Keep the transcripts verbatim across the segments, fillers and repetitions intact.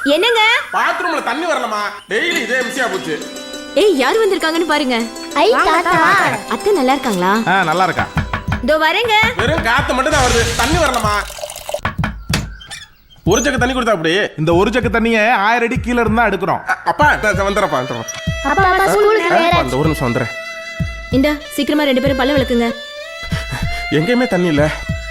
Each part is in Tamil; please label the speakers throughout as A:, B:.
A: என்னங்க
B: பாத்ரூம்ல தண்ணி வரலமா, டெய்லி இதே மிஸ்ஸியா போச்சு.
A: ஏய் யார் வந்திருக்காங்கன்னு பாருங்க.
C: ஐ தாத்தா.
A: அத்தை நல்லா இருக்காங்களா?
D: ஆ நல்லா இருக்கா.
A: இதோ வரேங்க.
B: வெறும் காத்து மட்டும் தான் வருது, தண்ணி வரலமா. ஒரு ஜக்கு தண்ணி கொடுத்தா அப்படி.
D: இந்த ஒரு ஜக்கு தண்ணியை ஆயிரம் அடி கீழ இருந்தா எடுக்கிறோம்.
B: அப்பா வந்துடுறப்பா வந்துடுறோம்.
C: அப்பா அப்பா ஸ்கூலுக்கு நேரா.
B: அந்த ஒரு நிமிஷம் வந்துடுறேன்.
A: இந்தா சீக்கிரமா ரெண்டு பேரும் பல்ல விளக்குங்க.
B: எங்கேயுமே தண்ணி இல்ல.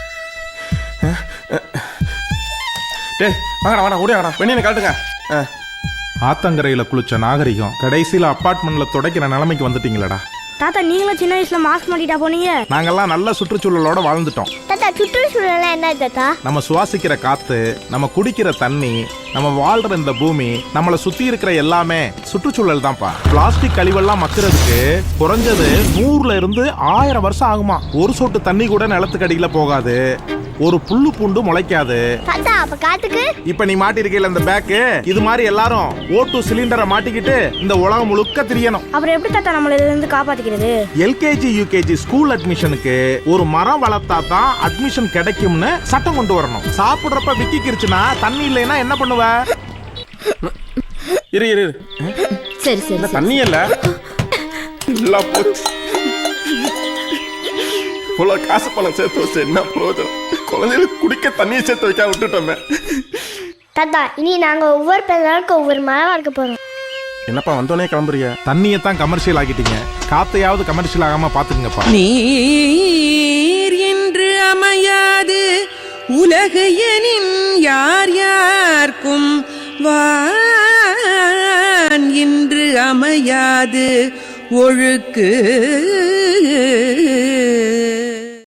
B: டேய் வாங்கடா வாடா ஓடி வாடா, வெண்ணி காட்டுங்க.
D: ஆத்தங்கரையில குளிச்ச நாகரிகம் கடைசியில அப்பார்ட்மெண்ட்ல துடைக்கிற நிலைமைக்கு வந்துட்டீங்களடா.
C: தாத்தா நீங்களும் சின்ன வயசுல மாஸ்க் மாட்டிட்டா போனீங்க.
D: நாங்கெல்லாம் நல்ல சுற்றுச்சூழலோட வாழ்ந்துட்டோம்.
C: தாத்தா சுற்றுச்சூழல் என்ன தாத்தா?
D: நம்ம சுவாசிக்கிற காத்து, நம்ம குடிக்கிற தண்ணி, நம்ம வாழ்ற இந்த பூமி, நம்மளை சுத்தி இருக்கிற எல்லாமே சுற்றுச்சூழல் தான்ப்பா. பிளாஸ்டிக் கழிவெல்லாம் மக்கிறதுக்கு குறைஞ்சது நூறுல இருந்து ஆயிரம் வருஷம் ஆகுமா. ஒரு சொட்டு தண்ணி கூட நிலத்துக்கடியில போகாது, ஒரு புல்லு பூண்டு முளைக்காது.
C: தாத்தா அப்ப காத்துக்கு
D: இப்ப நீ மாட்டிருக்கீல இந்த பேக்கு, இது மாதிரி எல்லாரும் ஓட்டு சிலிண்டரை மாட்டிக்கிட்டு இந்த உலகம் முழுக்க திரியணும்.
C: அப்புறம் எப்படி தாத்தா நம்மள இதுல இருந்து காப்பாத்திக்கிறது?
D: எல்கேஜி யூகேஜி ஸ்கூல் அட்மிஷனுக்கு ஒரு மரம் வளர்த்தா தான் அட்மிஷன் கிடைக்கும்னு சட்டம் கொண்டு வரணும். சாப்பிடுறப்ப விக்கிக்கிருச்சுன்னா தண்ணி இல்லைன்னா என்ன பண்ணுவ?
B: இரு இரு
A: சரி சரி.
B: தண்ணி இல்ல, இல்ல போச்சு. இவ்வளோ காசு பணம் சேர்த்து வச்சு என்ன போதும், குழந்தைகளுக்கு குடிக்க தண்ணியை சேர்த்து வைக்க விட்டுட்டோமே.
C: தாத்தா இனி நாங்க ஒவ்வொரு பிறகு ஒவ்வொரு மரம் வளர்க்க போறோம்.
B: என்னப்பா வந்தோடனே கிளம்புறிய?
D: தண்ணியை தான் கமர்ஷியல் ஆகிட்டீங்க, காத்தையாவது கமர்ஷியல் ஆகாம பாத்துக்கங்கப்பா.
E: நீர் என்று அமையாது உலகு எனின் யார் யார்க்கும் வான் என்று அமையாது ஒழுக்கு